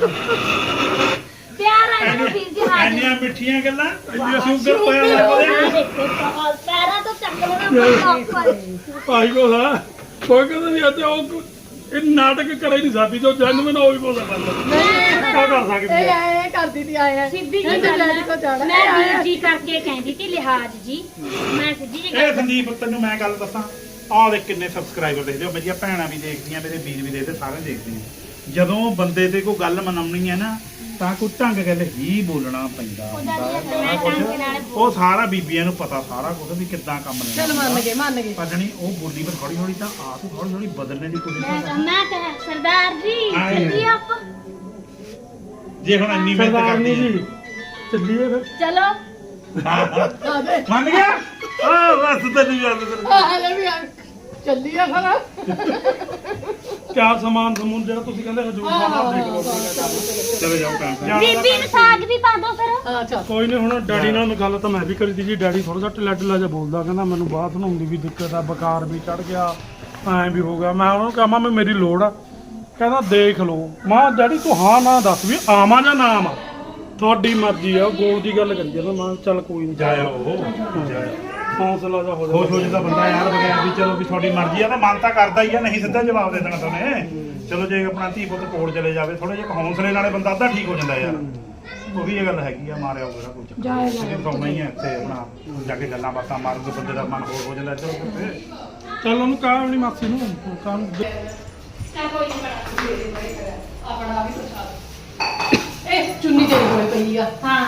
ਪਿਆਰ ਆ ਮੈਨੂੰ ਵੀਰ ਜੀ ਹਾਜ਼ਰ
ਇੰਨੀਆਂ ਮਿੱਠੀਆਂ ਗੱਲਾਂ ਇੰਨੀਆਂ ਸ਼ੂਗਰ ਹੋਇਆ ਲੱਗਦਾ
ਪੈਰਾਂ ਤੋਂ ਚੱਕ ਲੈਣਾ
ਭਾਈ ਕੋਲ ਆ ਕੋਈ ਕਹਿੰਦਾ ਨਹੀਂ ਅੱਜ ਉਹ ਇਹ ਨਾਟਕ ਕਰੇ ਨਹੀਂ ਸਾਡੀ ਜੋ ਜਨਮ ਨਾ ਉਹ ਵੀ ਬੋਲਦਾ
ਨਹੀਂ
ਕਿਉਂ ਕਰ ਸਕਦੀ
ਇਹ
ਹੈ
ਆਏ ਕਰਦੀ ਤੀ ਆਏ
ਸਿੱਧੀ ਜੀ
ਇਹਨੇ
ਗੱਲ
ਡੈਡੀ ਕੋਲ ਜਾਣਾ।
ਆ। ਮੈਂ ਵੀਰ ਜੀ ਕਰਕੇ ਕਹਿੰਦੀ ਸੀ ਲਿਹਾਜ਼ ਜੀ ਮੈਂ ਸਿੱਧੀ ਜੀ
ਇਹ
ਗੱਲ
ਸੰਦੀਪ ਤੈਨੂੰ ਮੈਂ ਗੱਲ ਦੱਸਾਂ ਆਹ ਦੇਖ ਕਿੰਨੇ ਸਬਸਕ੍ਰਾਈਬਰ ਦੇਖਦੇ ਹੋ ਮੇਰੀਆਂ ਭੈਣਾਂ ਵੀ ਦੇਖਦੀਆਂ ਮੇਰੇ ਵੀਰ ਵੀ ਦੇਖਦੇ ਸਾਰੇ ਦੇਖਦੇ ਆ ਜਦੋਂ ਬੰਦੇ ਤੇ ਕੋਈ ਗੱਲ ਮਨਾਉਣੀ ਹੈ ਨਾ ਤਾਂ ਕੋਈ ਢੰਗ ਗੱਲ ਹੀ ਬੋਲਣਾ ਪੈਂਦਾ
ਉਹਦਾ
ਹੁੰਦਾ
ਵੀ
ਸਾਰਾ
ਮੈਂ
ਕੁਛ।
ਢੰਗ ਨਾਲ
ਉਹ ਸਾਰਾ ਬੀਬੀਆਂ ਨੂੰ ਪਤਾ ਸਾਰਾ ਕੁਝ ਵੀ ਕਿੱਦਾਂ ਕੰਮ ਲੈਣਾ
ਚਲ ਮੰਨ ਗਏ
ਪਤਨੀ ਉਹ ਬੋਲੀ ਪਰ ਹੌਲੀ ਹੌਲੀ ਤਾਂ ਆਪ ਹੀ ਹੌਲੀ ਹੌਲੀ ਬਦਲਣੇ ਦੀ ਕੋਸ਼ਿਸ਼
ਮੈਂ
ਕਰਦੀ
ਮੈਂ ਕਹਾਂ ਸਰਦਾਰ ਜੀ
ਆਏ।
ਚੱਲੀਏ ਆਪਾਂ
ਜੇ ਹੁਣ ਇੰਨੀ ਮਿਹਨਤ
ਸਰਦਾਰਨੀ
ਕਰਦੀ
ਜੀ ਚੱਲੀਏ ਫਿਰ
ਚਲੋ
ਆ ਦੇ
ਮੰਨ ਗਿਆ ਆ ਬਸ ਤੈਨੂੰ ਯਾਦ ਕਰ
ਆ ਲੈ ਵੀ ਆ ਚੱਲੀ ਆ ਫਿਰ
ਕਿਆ ਸਮਾਨ ਸਮੂਨ ਜਿਹੜਾ ਤੁਸੀਂ ਕਹਿੰਦੇ ਹਜੂਰ ਸਾਹਿਬ ਦੇਖ ਲਓ
ਚਲੋ ਜਾਓ ਕੰਮ
ਜਾਣਾ ਤਾਂ
ਬੀਬੀ ਨੂੰ ਸਾਗ ਵੀ ਪਾ ਦੋ ਫਿਰ
ਹਾਂ ਚੱਲ
ਕੋਈ ਨਹੀਂ ਹੁਣ ਡੈਡੀ ਨਾਲ ਮੈਂ ਗੱਲ ਤਾਂ ਮੈਂ ਵੀ ਕਰੀ ਤੀ ਜੀ ਡੈਡੀ ਥੋੜਾ ਜਿਹਾ ਢਿੱਲਾ ਢਿੱਲਾ ਜਿਹਾ ਬੋਲਦਾ ਕਹਿੰਦਾ ਮੈਨੂੰ ਬਾਥ ਨਹਾਉਣ ਦੀ ਵੀ ਦਿੱਕਤ ਆ ਬੁਖਾਰ ਵੀ ਚੜ ਗਿਆ ਐਂ ਵੀ ਹੋ ਗਿਆ ਮੈਂ ਉਹਨੂੰ ਕਹਾਂ ਮੈਂ ਮੇਰੀ ਲੋੜ ਆ ਕਹਿੰਦਾ ਦੇਖ ਲਓ ਮਾਂ ਡੈਡੀ ਤੂੰ ਹਾਂ ਨਾ ਦੱਸ ਵੀ ਆਵਾਂ ਜਾਂ ਨਾ ਆਵਾਂ ਤੁਹਾਡੀ ਮਰਜ਼ੀ ਆ ਗੋਲ ਦੀ ਗੱਲ ਕਰੀ ਜਾਂਦਾ ਮੈਂ ਕਿਹਾ ਚੱਲ ਕੋਈ ਨਹੀਂ
ਜਾਇਓ ਜਾਇਓ
ਹੌਸਲਾ ਜਾ ਹੋ
ਖੁਸ਼ ਹੋ ਜਾਂਦਾ ਬੰਦਾ ਯਾਰ ਬਗੈਰ ਵੀ ਚਲੋ ਵੀ ਤੁਹਾਡੀ ਮਰਜ਼ੀ ਆ ਤਾਂ ਮਨ ਤਾਂ ਕਰਦਾ ਹੀ ਆ ਨਹੀਂ ਸਿੱਧਾ ਜਵਾਬ ਦੇ ਦੇਣਾ ਤੁਹਾਨੂੰ ਚਲੋ ਜੇ ਆਪਣਾ ਧੀ ਪੁੱਤ ਕੋਲ ਚਲੇ ਜਾਵੇ ਥੋੜਾ ਜਿਹਾ ਹੌਸਲੇ ਨਾਲੇ ਬੰਦਾ ਅੱਧਾ ਠੀਕ ਹੋ ਜਾਂਦਾ ਯਾਰ ਉਹ ਵੀ ਇਹ ਗੱਲ ਹੈਗੀ ਆ ਮਾਰਿਆ ਹੋਊਗਾ ਕੋਈ ਚੱਕਰ ਨਹੀਂ ਸੌਣਾ ਹੀ ਆ ਇੱਥੇ ਆਪਣਾ ਜਾ ਕੇ ਗੱਲਾਂ ਬਾਤਾਂ ਮਾਰੂਗੇ ਬੰਦੇ ਦਾ ਮਨ ਹੋਰ ਹੋ ਜਾਂਦਾ ਚਲੋ ਕਿੱਥੇ
ਚੱਲ ਉਹਨੂੰ ਕਹਾਂ ਆਪਣੀ ਮਾਸੀ ਨੂੰ ਕਹਾਂ
ਆਪਣਾ ਵੀ ਪ੍ਰਸ਼ਾਦ ਇਹ ਚੁੰਨੀ ਤੇਰੇ ਕੋਲੇ ਪਈ ਆ
ਹਾਂ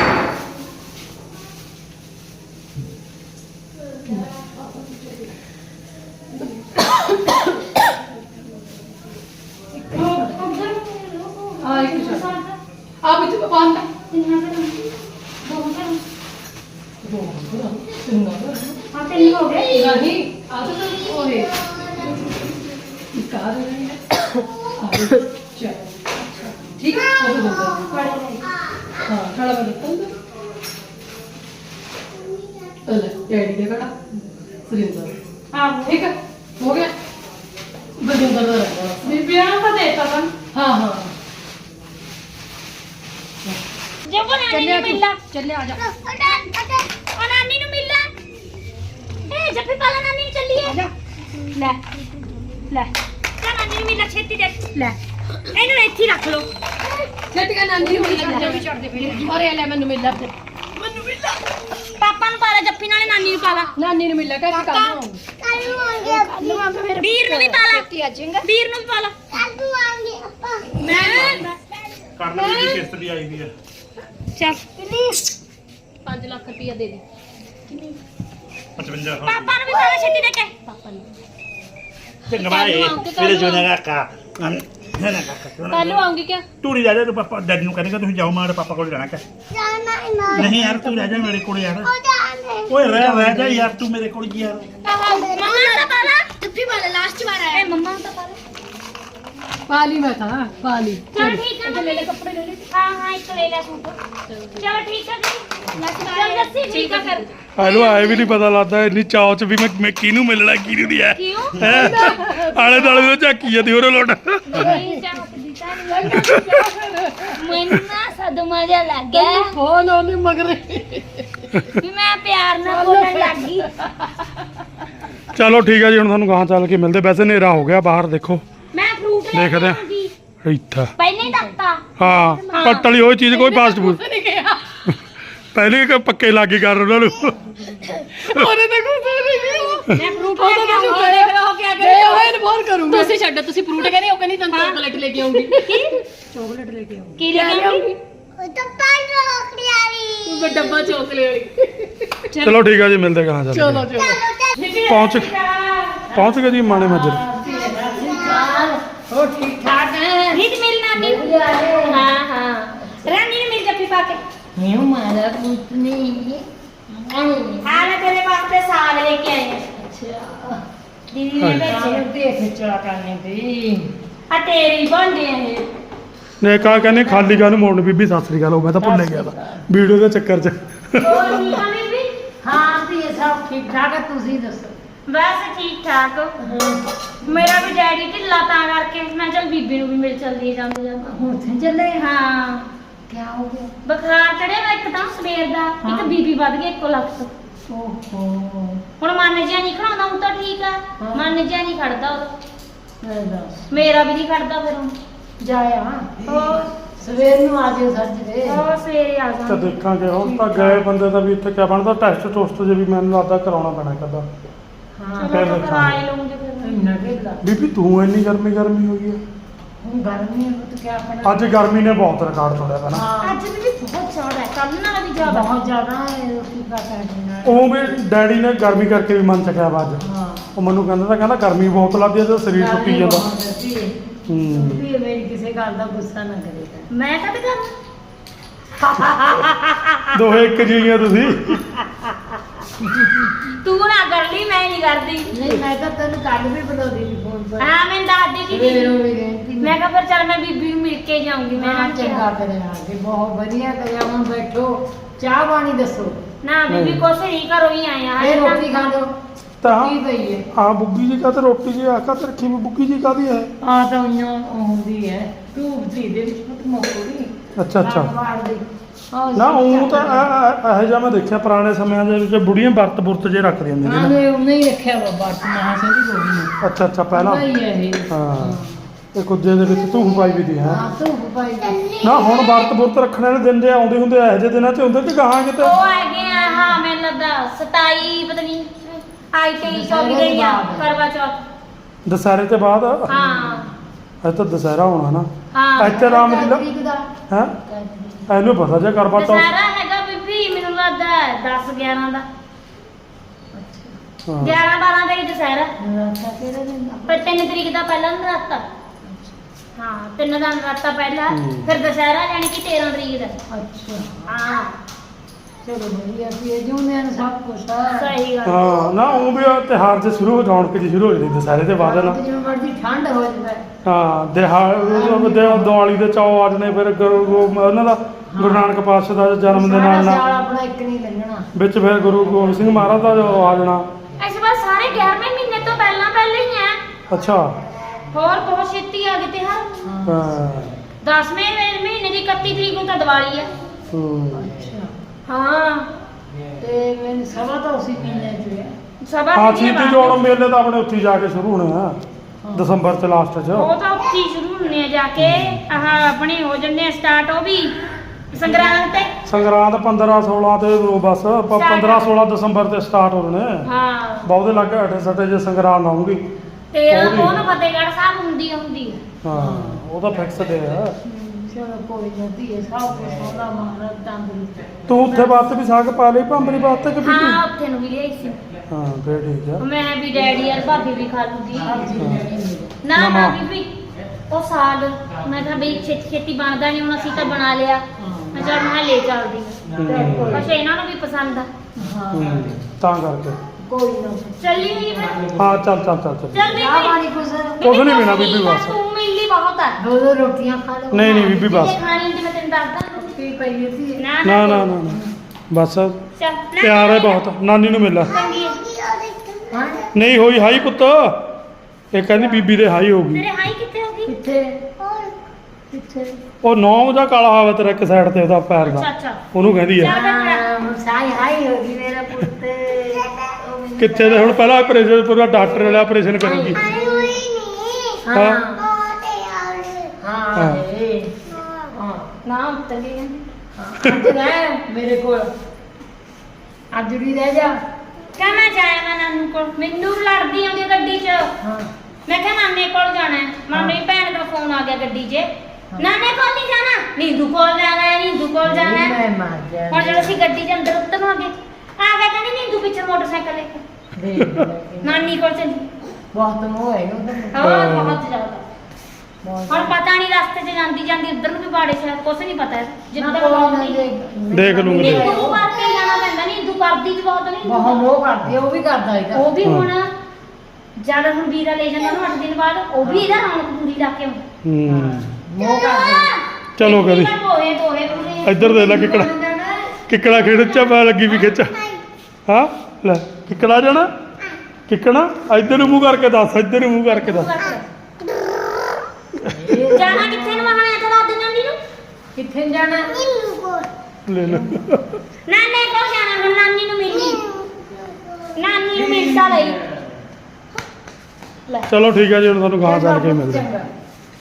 ਆ ਇੱਕ ਪ੍ਰਸ਼ਾਦ ਆ ਵਿੱਚ ਬੰਦ
ਹਾਂ ਤੇ ਹੋ ਗਏ
ਨਹੀਂ ਆ ਤਾਂ ਉਹ ਹੈ ਇੱਕ ਆ ਰਹੀ ਹੈ ਚਲ ਠੀਕ ਹੈ ਉਹ ਦੋ ਹਾਂ ਖੜਾ ਕਰ ਦਿੱਤਾ ਲੈ ਡੈਡੀ ਦੇ ਖੜਾ ਸੁਰਿੰਦਰ
ਆਹੋ
ਠੀਕ ਹੈ ਹੋ ਗਿਆ ਬਜਿੰਦਰ ਦਾ ਰਹਿਣਾ
ਬੀਬੀਆਂ ਨੂੰ ਤਾਂ ਦੇਤਾ ਤਾਂ
ਹਾਂ ਹਾਂ
ਜੇ ਉਹ ਨਾਨੀ ਨੂੰ ਮਿਲਣਾ
ਚੱਲੇ ਆ ਜਾ
ਉਹ ਨਾਨੀ ਨੂੰ ਮਿਲਣਾ ਇਹ ਜੱਫੀ ਪਾਲਾ ਨਾਨੀ ਨੂੰ ਚੱਲੀਏ ਲੈ ਲੈ ਚਾ ਨਾਨੀ ਨੂੰ ਮਿਲਣਾ ਛੇਤੀ ਦੇ ਲੈ ਇਹਨੂੰ ਇੱਥੇ ਹੀ ਰੱਖ ਲਓ
ਛੇਤੀ ਕਾ ਨਾਨੀ ਨੂੰ ਮਿਲ ਵੀ ਚੜਦੇ ਪਏ ਅਰੇ ਲੈ ਮੈਨੂੰ ਮਿਲ ਲੈ
ਪਾਪਾ ਨੂੰ ਪਾਲਾ ਜੱਫੀ ਨਾਲੇ ਨਾਨੀ ਨੂੰ ਪਾਲਾ
ਨਾਨੀ ਨੂੰ ਮਿਲ ਲੈ ਕਿ ਕੰਮ
ਵੀਰ ਨੂੰ ਵੀ ਪਾਲਾ ਵੀਰ ਨੂੰ ਵੀ ਪਾਲਾ ਮੈਂ
ਕਰਨ ਦੀ ਕਿਸ਼ਤ ਵੀ ਆਈ ਵੀ ਆ
ਚੱਲ
5 ਲੱਖ ਰੁਪਇਆ ਦੇ ਦੇ
55
ਪਾਪਾ ਨੂੰ ਵੀ ਪਾਲਾ ਛੇਤੀ ਦੇ ਕੇ
ਪਾਪਾ ਨੂੰ
ਚੰਗਾ ਬਾਈ ਮੇਰੇ ਜੋਨਾ ਕਾਕਾ ਨਾ ਨਾ ਕਾਕਾ
ਕੱਲ ਨੂੰ ਆਉਂਗੀ ਕਿਆ
ਤੂੰ ਨਹੀਂ ਜਾ ਤੂੰ ਪਾਪਾ ਡੈਡੀ ਨੂੰ ਕਹਿੰਦਾ ਤੁਸੀਂ ਜਾਓ ਮਾਰੇ ਪਾਪਾ ਕੋਲ ਜਾਣਾ ਕਿ ਨਹੀਂ ਯਾਰ ਤੂੰ ਰਹਿ ਜਾ ਮੇਰੇ ਕੋਲ ਯਾਰ ਓਏ ਰਹਿ ਜਾ ਯਾਰ ਤੂੰ ਮੇਰੇ ਕੋਲ ਯਾਰ
ਮੰਮਾ ਦਾ ਪਾਲਾ ਜੱਫੀ ਵਾਲਾ ਲਾਸਟ ਵਾਰ ਆਇਆ ਮੰਮਾ ਦਾ ਪਾਲਾ
ਪਾਲੀ ਮੈਂ ਤਾਂ ਪਾਲੀ
ਚਲ ਠੀਕ ਹੈ ਲੈ ਲੈ ਕੱਪੜੇ ਲੈ ਲੈ ਹਾਂ ਹਾਂ ਇੱਕ ਲੈ ਲੈ ਸੂਟ ਚਲ ਠੀਕ ਹੈ ਜੀ ਲੱਸੀ ਠੀਕ ਹੈ ਫਿਰ
ਇਹਨੂੰ ਆਏ ਵੀ ਨਹੀਂ ਪਤਾ ਲੱਗਦਾ ਇੰਨੀ ਚਾਅ ਚ ਵੀ ਮੈਂ ਕਿਹਨੂੰ ਮਿਲਣਾ ਕਿਹਨੂੰ ਨਹੀਂ ਆ
ਕਿਉਂ
ਆਲੇ ਦੁਆਲੇ ਤੋਂ ਝਾਕੀ ਜਾਂਦੀ ਹੋਰ ਲੋਟ
ਨਹੀਂ ਚਾਹਦੀ ਤਾਂ ਨਹੀਂ ਮੈਨੂੰ ਨਾ ਸਦਮਾ ਜਿਹਾ ਲੱਗ ਗਿਆ
ਫੋਨ ਉਹਨੇ ਮਗਰ
ਵੀ ਮੈਂ ਪਿਆਰ ਨਾਲ ਬੋਲਣ ਲੱਗ ਗਈ
ਚਲੋ ਠੀਕ ਹੈ ਜੀ ਹੁਣ ਤੁਹਾਨੂੰ ਗਾਹਾਂ ਚੱਲ ਕੇ ਮਿਲਦੇ ਵੈਸੇ ਹਨੇਰਾ ਹੋ ਗਿਆ ਬਾਹਰ ਦੇਖੋ
ਮੈਂ ਫਰੂਟ ਲੈ ਕੇ
ਦੇਖਦੇ ਆ।
ਆਉਂਗੀ
ਇੱਥਾ
ਪਹਿਲਾਂ ਹੀ ਦੱਸਤਾ
ਹਾਂ ਪੱਟਲੀ ਹੋਈ ਚੀਜ਼ ਕੋਈ ਫਾਸਟ ਫੂਡ
ਨਹੀਂ ਗਿਆ
ਪਹਿਲੇ ਕਿ ਪੱਕੇ ਲਾਗੇ ਕਰ ਉਹਨਾਂ ਨੂੰ
ਉਹਨੇ ਤਾਂ ਕੁਝ ਨਹੀਂ ਗਿਆ
ਮੈਂ ਫਰੂਟ
ਉਹ
ਲੈ
ਤਾਂ
ਕੇ
ਤੁਸੀਂ
ਆਉਂਗੀ
ਕਰੇ ਹੋ ਕੇ ਗਏ ਹੋਏ ਨੇ ਫੋਨ ਕਰੂੰਗਾ ਤੁਸੀਂ ਛੱਡੋ ਤੁਸੀਂ ਫਰੂਟ ਕਹਿੰਦੇ ਉਹ ਕਹਿੰਦੀ ਤੁਹਾਨੂੰ ਚਾਕਲੇਟ ਲੈ ਕੇ ਆਉਂਗੀ ਚਾਕਲੇਟ ਲੈ ਕੇ ਆਉਂਗੀ
ਕੀ ਲੈ ਕੇ ਆਉਂਗੀ
ਉਹ ਡੱਬਾ ਚਾਕਲੇਟ ਵਾਲੀ
ਚਲੋ ਠੀਕ ਹੈ ਜੀ ਮਿਲਦੇ ਗਾਹਾਂ ਚੱਲ
ਚਲੋ
ਕੇ।
ਚਲੋ
ਪਹੁੰਚ ਗਏ ਜੀ ਮਾਣੇ ਮੱਜਰ
ਹੋ ਠੀਕ ਠਾਕ ਹੈ
ਰੀਤ ਮਿਲ ਨਾਨੀ ਹਾਂ ਹਾਂ ਰਾਨੀ ਨੇ ਮਿਲ ਜੱਫੀ ਪਾ ਕੇ
Eu mara putni.
ਹਾਂ ਮੈਂ ਤੇਰੇ ਵਾਸਤੇ ਸਾਗ ਲੈ ਕੇ ਆਈ ਹਾਂ
Ciao.
ਦੀਦੀ ਨੇ ਭੇਜਿਆ
Eu deixo ciò che
ਆ ਤੇਰੀ ਬਣਦੇ ਆ ਇਹ
ਨੇ ਕਹਾ ਕਹਿੰਦੇ ਖਾਲੀ ਗਾਂ ਨੂੰ ਮੋੜਨ ਬੀਬੀ ਸਤਿ ਸ੍ਰੀ ਅਕਾਲ ਉਹ ਮੈਂ ਤਾਂ ਭੁੱਲ ਗਿਆ ਤਾਂ ਵੀਡੀਓ ਦੇ ਚੱਕਰ 'ਚ
ਹੋਰ ਠੀਕ ਆ ਬੀਬੀ
हाँ तो ये सब ठीक ठाक है तुसी दसो
ਬਸ ਠੀਕ ਠਾਕ ਮੇਰਾ ਵੀ ਡੈਡੀ ਢਿੱਲਾ ਤਾਂ ਕਰਕੇ ਮੈਂ ਚਲ ਬੀਬੀ ਨੂੰ ਵੀ ਮਿਲ ਚੱਲਦੀ ਜਾਂਦੇ ਜਾਂਦੇ
हुन थे चले
ਹਾਂ
क्या हो गया
ਬੁਖਾਰ ਚੜਿਆ ਵਾ ਇੱਕਦਮ ਸਵੇਰ ਦਾ ਇੱਕ ਬੀਬੀ ਵੱਧ ਗਈ 1 ਲੱਖ ਤੋਂ
ओहो
ਹੁਣ ਮਨ ਜਿਹਾ ਨਹੀਂ ਖੜਾਉਂਦਾ ਹੁਣ ਤਾਂ ਠੀਕ ਆ
ਹਾਂ।
ਮਨ ਜਿਹਾ ਨਹੀਂ ਖੜਦਾ ਉਦੋਂ
दस
ਮੇਰਾ ਵੀ ਨਹੀਂ ਖੜਦਾ ਫਿਰ ਹੁਣ
जाया
ਹੋਰ
ਸਵੇਰ ਨੂੰ ਆ ਜਿਓ ਸੱਜਰੇ
ਉਹ ਸਵੇਰੇ ਆ
ਤਾਂ
ਜਾਵਾਂਗੇ
ਦੇਖਾਂਗੇ ਹੁਣ ਤਾਂ ਗਏ ਬੰਦੇ ਦਾ ਵੀ ਇੱਥੇ ਕਿਆ ਬਣਦਾ ਟੈਸਟ ਟੋਸਟ ਜੇ ਵੀ ਮੈਨੂੰ ਲੱਗਦਾ ਕਰਾਉਣਾ ਪੈਣਾ ਕਦਾ
ਹਾਂ
ਚਲੋ ਤਾਂ ਕਰਾ ਹੀ ਲਵਾਂਗੇ ਫਿਰ
ਇੰਨਾ ਢਿੱਲਾ
ਬੀਬੀ ਤੂੰ ਇੰਨੀ ਗਰਮੀ ਹੋਈ ਹੈ
ਹੁਣ ਗਰਮੀ ਹੈ ਤਾਂ ਕਿਆ ਆਪਣਾ
ਅੱਜ ਗਰਮੀ ਨੇ ਬਹੁਤ ਰਿਕਾਰਡ ਤੋੜਿਆ ਪਹਿਲਾਂ
ਹਾਂ
ਅੱਜ ਵੀ ਬਹੁਤ ਚੌੜਾ ਹੈ ਕੱਲ ਨਾਲ ਵੀ ਜ਼ਿਆਦਾ
ਬਹੁਤ ਜ਼ਿਆਦਾ ਹੈ ਰੋਟੀ ਦਾ ਕਰਨਾ
ਉਹ ਵੀ ਡੈਡੀ ਨੇ ਗਰਮੀ ਕਰਕੇ ਵੀ ਮਨ ਚੱਕਿਆ ਵਾ ਅੱਜ
ਹਾਂ
ਉਹ ਮੈਨੂੰ ਕਹਿੰਦਾ ਗਰਮੀ ਬਹੁਤ ਲੱਗਦੀ ਹੈ ਤੇ ਸਰੀਰ ਟੁੱਟੀ ਜਾਂਦਾ ਹੂੰ
ਵੀ ਮੇਰੀ ਕਿਸੇ ਗੱਲ ਦਾ ਗੁੱਸਾ ਨਾ ਕਰੇਗਾ
ਮੈਂ ਕਦ ਕਰ
ਦੋਹੇ ਇੱਕ ਜੀਆਂ ਤੁਸੀਂ
ਤੂੰ ਨਾ ਕਰ ਲਈ ਮੈਂ ਨਹੀਂ ਕਰਦੀ
ਨਹੀਂ ਮੈਂ ਤਾਂ ਤੈਨੂੰ ਕੱਲ ਵੀ ਬੁਲਾਉਂਦੀ ਸੀ ਫੋਨ ਪਰ
ਹਾਂ ਮੈਂ ਦੱਸਦੀ ਸੀ
ਸਵੇਰੋਂ ਵੀ ਰਹਿੰਦੀ
ਮੈਂ ਕਿਹਾ ਫਿਰ ਚੱਲ ਮੈਂ ਬੀਬੀ ਨੂੰ ਮਿਲ ਕੇ ਜਾਊਂਗੀ ਮੈਂ
ਹਾਂ
ਨਾ
ਚੰਗਾ ਕਰਿਆ ਕਿ ਬਹੁਤ ਵਧੀਆ ਕਰਿਆ ਹੁਣ ਬੈਠੋ ਚਾਹ ਪਾਣੀ ਦੱਸੋ
ਨਾ ਬੀਬੀ ਕੁਛ ਨਹੀਂ ਘਰੋਂ ਹੀ ਆਇਆ
ਇਹ ਰੋਟੀ ਖਾ ਲਓ
ਤਾਂ
ਕੀ ਪਈ ਹੈ
ਹਾਂ ਬੁੱਗੀ ਜੀ ਕਾ ਤੇ ਰੋਟੀ ਜੀ ਆਖਾ ਤੇ ਰੱਖੀ ਵੀ ਬੁੱਗੀ ਜੀ ਕਾਦੀ ਹੈ
ਆ ਤਾਂ ਉਹ ਹੁੰਦੀ ਹੈ ਧੂਪ ਦੀ ਦੇ ਵਿੱਚ ਮਤ ਮੋੜੀ
ਅੱਛਾ ਅੱਛਾ
ਦੀ
ਨਾ ਉਹ ਤਾਂ ਇਹੋ ਜਿਹਾ ਮੈਂ ਦੇਖਿਆ ਪੁਰਾਣੇ ਸਮਿਆਂ ਦੇ ਵਿੱਚ ਬੁੜੀਆਂ ਵਰਤ ਜੇ ਰੱਖਦੀਆਂ ਹੁੰਦੀਆਂ
ਹਾਂ
ਨੇ
ਨੇ ਉਹਨੇ ਹੀ ਰੱਖਿਆ ਵਾ ਬਾਤ ਮਹਾ ਸੰਦੀ ਗੋਗੀ ਨੇ
ਅੱਛਾ ਅੱਛਾ ਪਹਿਲਾਂ
ਭਾਈ ਹੈ ਇਹ
ਹਾਂ ਇਹ ਕੁੱਜੇ ਦੇ ਵਿੱਚ ਧੂਫ ਪਾਈ ਵੀ ਦੀ ਹੈ
ਹਾਂ ਧੂਪ ਪਾਈ ਦੀ।
ਨਾ ਹੁਣ ਵਰਤ ਰੱਖਣ ਵਾਲੇ ਦਿਨ ਜੇ ਆਉਂਦੇ ਹੁੰਦੇ ਇਹੋ ਜਿਹੇ ਦਿਨਾਂ 'ਚ ਹੁੰਦੇ ਕਿ ਗਾਹਾਂ ਕਿਤੇ
ਉਹ ਹੈਗੇ ਆ ਹਾਂ ਮੈਨੂੰ ਲੱਗਦਾ 27 ਪਤਾ ਨਹੀਂ ਆਈ 23 24 ਦਿਨ ਆ ਕਰਵਾ ਚੌਥ
ਦੁਸਹਿਰੇ ਤੇ ਬਾਅਦ
ਹਾਂ
ਅੱਜ ਤਾਂ ਦੁਸਹਿਰਾ ਹੋਣਾ ਨਾ
ਹਾਂ
ਇੱਥੇ ਰਾਮ ਲੀਲਾ
ਤਰੀਕ ਦਾ
ਹੈ ਇਹਨੂੰ ਪਤਾ ਜੇ ਕਰਵਾ ਤਾ
ਦੁਸਹਿਰਾ ਹੈਗਾ ਬੀਬੀ ਮੈਨੂੰ ਲੱਗਦਾ 10 11 ਦਾ 11 12 ਦਾ ਹੀ ਦੁਸਹਿਰਾ
ਰਾਤਾ ਕਿਹੜੇ ਦਿਨ ਦਾ?
ਪਰ 3 ਤਰੀਕ ਦਾ ਪਹਿਲਾਂ ਨਰਾਤਾ ਹਾਂ 3 ਦਾ ਨਰਾਤਾ ਪਹਿਲਾਂ ਫਿਰ ਦੁਸਹਿਰਾ ਜਾਣੀ ਕਿ 13 ਤਰੀਕ ਦਾ
ਅੱਛਾ
ਹਾਂ
ਚਲੋ ਵਧੀਆ ਵੀ ਇਹ ਜਿਉਂਦੇ ਨੇ ਸਭ ਕੁਛ ਆ
ਸਹੀ ਗੱਲ
ਹਾਂ ਨਾ ਉਹ ਵੀ ਉਹ ਤਿਉਹਾਰ ਜੇ ਸ਼ੁਰੂ ਹੋ ਜਾਣ ਕਿ ਸ਼ੁਰੂ ਹੋ ਜਾਂਦੀ ਦੁਸਹਿਰੇ ਦੇ ਬਾਅਦ ਨਾ
ਜਿਵੇਂ ਮਰਜ਼ੀ ਠੰਡ ਹੋ ਜਾਵੇ
ਹਾਂ ਦਿਵਾਲੀ ਦੇ ਚੌ ਆ ਜਣੇ ਫਿਰ ਉਹਨਾਂ ਦਾ ਗੁਰੂ ਨਾਨਕ ਪਾਤਸ਼ਾਹ ਦਾ ਜਨਮ ਦੇ ਨਾਲ
ਸਾਰਾ
ਨਾਲ
ਸਾਲ ਆਪਣਾ ਇੱਕ ਨਹੀਂ ਲੰਘਣਾ
ਵਿੱਚ ਫਿਰ ਗੁਰੂ ਗੋਬਿੰਦ ਸਿੰਘ ਮਹਾਰਾਜ ਦਾ ਜੋ ਆ ਜਾਣਾ
ਇਸ ਵਾਰ ਸਾਰੇ 11ਵੇਂ ਮਹੀਨੇ ਤੋਂ ਪਹਿਲਾਂ ਹੀ ਆ
ਅੱਛਾ
ਹੋਰ ਬਹੁਤ ਛੇਤੀ ਆ ਗਏ ਤਿਉਹਾਰ
ਹਾਂ
10ਵੇਂ ਮਹੀਨੇ ਦੀ 31 ਤਰੀਕ ਨੂੰ ਤਾਂ ਦੀਵਾਲੀ ਆ
ਹੂੰ।
ਅੱਛਾ
ਹਾਂ
ਤੇ ਮੈਨੂੰ ਸਭਾ ਤਾਂ ਉਸੇ ਮਹੀਨੇ ਚ ਹੈ
ਸਭਾ
ਹਾਂ
ਮਹੀਨੇ
ਛੀਤੀ
ਬਾਅਦ।
ਜੋੜ ਮੇਲੇ ਤਾਂ ਆਪਣੇ ਉੱਥੇ ਹੀ ਜਾ ਕੇ ਸ਼ੁਰੂ ਹੋਣੇ ਆ ਦਸੰਬਰ ਚ ਲਾਸਟ ਚ
ਉਹ ਤਾਂ ਉੱਥੇ ਹੀ ਸ਼ੁਰੂ ਹੁੰਨੇ ਆ ਜਾ ਕੇ ਆਹ ਆਪਣੇ ਹੋ ਜੰਨੇ ਆ ਸਟਾਰਟ ਉਹ ਵੀ ਸੰਗਰਾਂਦ ਤੇ
ਸੰਗਰਾਂਦ 15 16 ਤੇ ਉਹ ਬਸ 15 16 ਦਸੰਬਰ ਤੇ ਸਟਾਰਟ ਹੋਣੇ
ਹਾਂ
ਬਹੁਤੇ ਲੱਗ ਅਠੇ ਸੱਟੇ ਜੇ ਸੰਗਰਾਂਦ ਆਉਂਗੀ
ਤੇ
ਉਹ ਵੀ।
ਉਹਨੂੰ ਫਤਿਹਗੜ੍ਹ ਸਾਹਿਬ ਹੁੰਦੀ ਆ
ਹਾਂ ਉਹ ਤਾਂ ਫਿਕਸ ਦੇ ਆ
ਚਲੋ ਕੋਈ ਨਹੀਂ ਹੈ ਸਭ ਕੁਛ ਹੋਣਾ ਮਹਾਰਾਜ ਤੰਦਰੁਸਤ
ਤੂੰ ਉੱਥੇ ਬਾਤ ਵੀ ਸਾਗ ਪਾ ਲਈ ਭਾਂਬਰੀ ਬਾਤ ਤੇ ਕਿ
ਹਾਂ
ਬੀਬੀ
ਉੱਥੇ ਨੂੰ ਵੀ ਲਿਆਈ ਸੀ
ਹਾਂ ਫੇਰ ਠੀਕ ਆ
ਮੈਂ ਵੀ ਡੈਡੀ ਯਾਰ ਭਾਬੀ ਵੀ ਖਾ ਲੂਗੀ ਨਾ
ਨਾ,
ਨਾ
ਨਾ।
ਬੀਬੀ ਉਹ ਸਾਗ ਮੈਂ ਕਿਹਾ ਬਈ ਛੇਤੀ ਛੇਤੀ ਬਣਦਾ ਨਹੀਂ ਹੁਣ ਅਸੀਂ ਤਾਂ ਬਣਾ ਲਿਆ ਮੈਂ ਚੱਲ ਮੈਂ ਲੈ ਚੱਲਦੀ ਅੱਛਾ ਇਹਨਾਂ ਨੂੰ ਵੀ ਪਸੰਦ ਆ
ਹਾਂ
ਹੂੰ, ਤਾਂ ਕਰਕੇ
ਕੋਈ ਨਾ
ਚੱਲੀ ਹੋਈ ਫਿਰ
ਹਾਂ ਚੱਲ
ਚੱਲ
ਚਾਹ
ਬੀਬੀ
ਪਾਣੀ ਕੁਛ
ਕੁਛ ਨੀ ਪੀਣਾ ਬੀਬੀ ਬਸ।
ਤੂੰ ਮਿਲਦੀ ਬਹੁਤ ਆ
ਦੋ ਦੋ ਰੋਟੀਆਂ ਖਾ ਲਓ
ਨਹੀਂ ਨਹੀਂ ਬੀਬੀ ਬਸ
ਜੇ ਖਾਣੀ ਹੁੰਦੀ ਮੈਂ ਤੈਨੂੰ ਦੱਸਦਾ
ਕੀ ਪਈ ਸੀ
ਨਾ
ਨਾ ਨਾ ਨਾ ਨਾ। ਬਸ
ਚੱਲ ਨਾ,
ਪਿਆਰ ਹੈ ਬਹੁਤ ਨਾਨੀ ਨੂੰ ਮਿਲ
ਚੰਗੀ ਹੈ।
ਹਾਂ
ਨਹੀਂ ਹੋਈ ਹਾਈ ਪੁੱਤ ਇਹ ਕਹਿੰਦੀ ਬੀਬੀ ਦੇ ਹਾਈ ਹੋ ਗਈ
ਤੇਰੇ ਹਾਈ ਕਿੱਥੇ ਹੋ ਗਈ
ਕਿੱਥੇ ਕਿੱਥੇ
ਉਹ ਨੌ ਦਾ ਕਾਲਾ ਹਾਵਾ ਤੇਰਾ ਇੱਕ ਸਾਈਡ ਤੇ ਉਹਦਾ ਪੈਰ
ਅੱਛਾ
ਦਾ
ਅੱਛਾ
ਉਹਨੂੰ ਕਹਿੰਦੀ ਆ
ਹਾਂ ਸਾਈ ਹਾਈ ਹੋ ਗਈ ਮੇਰਾ ਪੁੱਤ ਉਹ ਮੈਨੂੰ
ਕਿੱਥੇ ਦੇ ਹੁਣ ਪਹਿਲਾਂ ਆਪਰੇਸ਼ਨ ਪੂਰਾ ਡਾਕਟਰ ਵਾਲਾ ਆਪਰੇਸ਼ਨ ਕਰੂਗੀ
ਹਾਂ
ਹਾਂ।
ਹਾਂ
ਹਾਂ।
ਇਹ ਹਾਂ
ਨਾ ਉੱਤਰ ਗਈ
ਅੱਜ ਰਹਿ ਮੇਰੇ ਕੋਲ ਅੱਜ ਵੀ ਰਹਿ ਜਾ
ਕਿਆ ਮੈਂ ਜਾਇਆ ਮੈਂ ਨਾਨੂ ਕੋਲ ਮੈਨੂੰ ਲੜਦੀ ਆਉਂਦੀ ਆ ਗੱਡੀ 'ਚ
ਹਾਂ
ਮੈਂ ਕਿਹਾ ਨਾਨੇ ਕੋਲ ਜਾਣਾ ਹੈ ਮਾਂ ਮੇਰੀ ਭੈਣ ਦਾ ਫੋਨ ਆ ਗਿਆ ਗੱਡੀ 'ਚ ਨਾਨੇ ਕੋਲ ਨਹੀਂ ਜਾਣਾ ਨੀਂਦੂ ਕੋਲ ਜਾਣਾ ਹੈ ਨੀਂਦੂ ਕੋਲ ਜਾਣਾ ਹੈ
ਮੈਂ ਮਾਰ ਜਾ
ਹੁਣ ਜਦੋਂ ਅਸੀਂ ਗੱਡੀ 'ਚ ਅੰਦਰ ਉਤਰਾਂਗੇ ਆ ਗਿਆ ਕਹਿੰਦੀ ਨੀਂਦੂ ਪਿੱਛੇ ਮੋਟਰਸਾਈਕਲ ਲੈ ਕੇ
ਦੇਖ ਲੈ
ਨਾਨੀ ਕੋਲ ਚੱਲੀ
ਬਹੁਤ ਮੋਹ ਹੈ ਉਹਦਾ
ਹੋਰ ਬਹੁਤ ਜ਼ਿਆਦਾ
ਬਹੁਤ
ਹੁਣ ਪਤਾ ਨਹੀਂ ਰਸਤੇ 'ਚ ਜਾਂਦੀ ਜਾਂਦੀ ਉੱਧਰ ਨੂੰ ਵੀ ਬਾੜੇ ਸ਼ਾਇਦ ਕੁਛ ਨਹੀਂ ਪਤਾ ਜਿੱਦਾਂ
ਨਾ ਕੋਈ ਨਾ
ਨੀਂਦੂ
ਦੇਖ ਲੂੰਗੀ।
ਕਰਕੇ ਜਾਣਾ ਪੈਂਦਾ ਨੀਂਦੂ ਕਰਦੀ ਚ ਬਹੁਤ ਨਹੀਂ
ਬਹੁਤ ਮੋਹ ਕਰਦੀ ਆ, ਉਹ ਵੀ ਕਰਦਾ ਇਹਦਾ
ਉਹ ਵੀ ਹੁਣ ਜਦ ਹੁਣ ਵੀਰਾ ਲੈ ਜਾਂਦਾ ਉਹਨੂੰ 8 ਦਿਨ ਬਾਅਦ ਉਹ ਵੀ ਇਹਦਾ ਰੌਣਕ ਪੂਰੀ ਲਾ ਕੇ ਆਉਂਦਾ
ਹੂੰ
ਮੋਹ ਕਰਦੀ
ਚਲੋ ਕਰੀ
ਦੋਹੇ ਪੂਰੇ
ਇੱਧਰ ਦੇ ਲੈ ਕਿਕੜਾ ਕਿਕੜਾ ਖੇਡ ਪੈ ਲੱਗੀ ਵੀ ਖਿੱਚ ਹਾਂ ਲੈ ਕਿਕੜਾ ਜਾਣਾ ਕਿਕਣਾ ਇੱਧਰ ਨੂੰ ਮੂੰਹ ਕਰਕੇ ਦੱਸ ਇੱਧਰ ਨੂੰ ਮੂੰਹ ਕਰਕੇ ਦੱਸ
ਜਾਣਾ ਕਿੱਥੇ ਨੂੰ ਮਹਾਣਾ ਤਾਂ ਦੱਸ ਨਾਨੀ ਨੂੰ
ਕਿੱਥੇ ਨੀ ਜਾਣਾ
ਲੈ ਲੈ
ਨਾਨੇ ਕੋਲ ਜਾਣਾ ਹੁਣ ਨਾਨੀ ਨੂੰ ਮਿਲਣੀ ਨਾਨੀ ਨੂੰ ਮਿਲਦਾ ਲਈ ਲੈ
ਚਲੋ ਠੀਕ ਹੈ ਜੀ ਹੁਣ ਤੁਹਾਨੂੰ ਗਾਂ ਚੱਲ ਕੇ ਮਿਲਦੇ
ਚੰਗਾ